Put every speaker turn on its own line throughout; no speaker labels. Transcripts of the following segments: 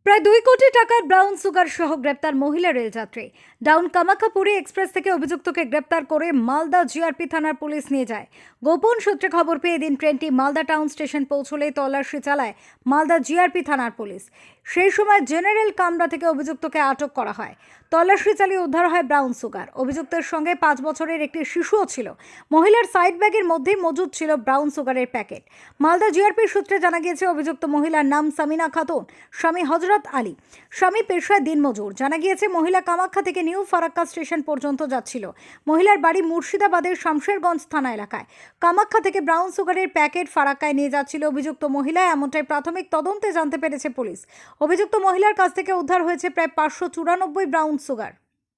প্রায় 2 কোটি টাকার ব্রাউন সুগার সহ গ্রেপ্তার মহিলা রেলযাত্রী। ডাউন কামাখ্যাপুরী এক্সপ্রেস থেকে অভিযুক্তকে গ্রেপ্তার করে মালদা জিআরপি থানার পুলিশ নিয়ে যায়। গোপন সূত্রে খবর পেয়ে এদিন ট্রেনটি মালদা টাউন স্টেশন পৌঁছলে তল্লাশি চালায় মালদা জিআরপি থানার পুলিশ। সেই সময় জেনারেল কামরা থেকে অভিযুক্তকে আটক করা হয়। তল্লাশি চালিয়ে উদ্ধার হয় ব্রাউন সুগার। অভিযুক্তের সঙ্গে 5 বছরের একটি শিশুও ছিল। মহিলার সাইড ব্যাগের মধ্যেই মজুদ ছিল ব্রাউন সুগারের প্যাকেট। মালদা জিআরপির সূত্রে জানা গিয়েছে অভিযুক্ত মহিলার নাম সামিনা খাতুন, স্বামী হজরত আলী, স্বামী পেশায় দিনমজুর। জানা গিয়েছে মহিলা কামাখ্যা থেকে নিউ ফারাক্কা স্টেশন পর্যন্ত যাচ্ছিল। মহিলার বাড়ি মুর্শিদাবাদের শামশেরগঞ্জ থানা এলাকায়। কামাখ্যা থেকে ব্রাউন সুগারের প্যাকেট ফারাক্কায় নিয়ে যাচ্ছিল অভিযুক্ত মহিলা, এমনটাই প্রাথমিক তদন্তে জানতে পেরেছে পুলিশ। অভিযুক্ত মহিলার কাছ থেকে উদ্ধার হয়েছে প্রায় 594 ব্রাউন সুগার।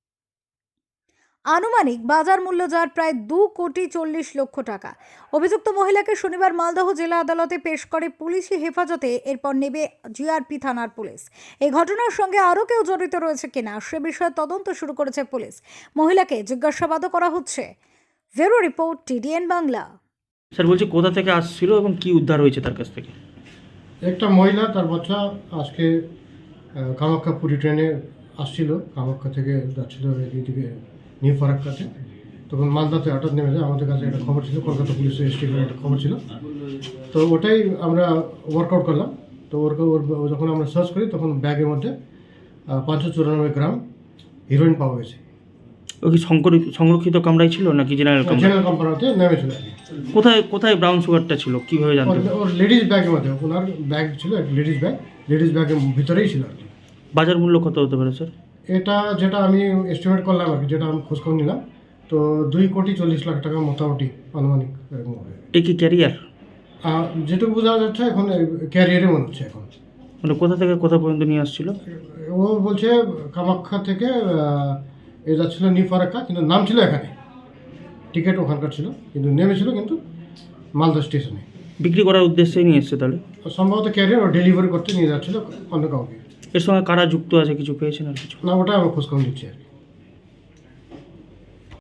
আনুমানিক বাজার মূল্য যার প্রায় 2,40,00,000 টাকা। অভিযুক্ত মহিলাকে শনিবার মালদহ জেলা আদালতে পেশ করে পুলিশি হেফাজতে। এরপর নেবে জিআরপি থানার পুলিশ। এই ঘটনার সঙ্গে আরও কেউ জড়িত রয়েছে কিনা সে বিষয়ে তদন্ত শুরু করেছে পুলিশ। মহিলাকে জিজ্ঞাসাবাদও করা হচ্ছে। Bureau report, TDN Bangla.
Sir বলছি কোথা থেকে আসছিল এবং কি উদ্ধার হয়েছে তার কাছ থেকে?
একটা মহিলা তার বাচ্চা আজকে কামাখ্যাপুরী ট্রেনে আসছিল, কামাখ্যা থেকে যাচ্ছিল এইদিকে নিউ ফারাক্কাতে। তখন মালদাতে হঠাৎ নেমে যায়। আমাদের কাছে একটা খবর ছিল, কলকাতা পুলিশের স্টেশনের একটা খবর ছিল, তো ওটাই আমরা ওয়ার্কআউট করলাম। তো যখন আমরা সার্চ করি তখন ব্যাগের মধ্যে 594 গ্রাম হিরোইন পাওয়া গেছে।
ও কি সংরক্ষিত কামরাই ছিল নাকি জেনারেল কামরা?
জেনারেল কোম্পানিতে নেমেছিল।
কোথায় কোথায় ব্রাউন সুগারটা ছিল কিভাবে জানতে?
ওর লেডিস ব্যাগের মধ্যে, ওনার ব্যাগ ছিল একটা লেডিস ব্যাগের ভিতরেই ছিল আর কি।
বাজার মূল্য কত হতে পারে স্যার?
এটা যেটা আমি এস্টিমেট করলাম আর কি, যেটা আমি খোঁজখবর নিলাম, তো 2,40,00,000 টাকা মোটামুটি আনুমানিক এরকম হবে।
এ কি ক্যারিয়ার?
যেটুকু বোঝা যাচ্ছে এখন ক্যারিয়ারে মনে হচ্ছে এখন।
মানে কোথা থেকে কোথা পর্যন্ত নিয়ে আসছিল?
ও বলছে কামাখ্যা থেকে এ যাচ্ছিল নিউ ফারাক্কা, কিন্তু নাম ছিল এখানে, টিকিট ওখানকার ছিল, কিন্তু নেমেছিল কিন্তু মালদা স্টেশনে।
বিক্রি করার উদ্দেশ্যেই নিয়ে এসছে তাহলে?
সম্ভবত ক্যারিয়ার ও ডেলিভারি করতে নিয়ে যাচ্ছিল অন্য কাউকে।
এর সঙ্গে কারা যুক্ত আছে কিছু পেয়েছেন আর কিছু?
না, ওটা আমি খোঁজখবর নিচ্ছি আর কি।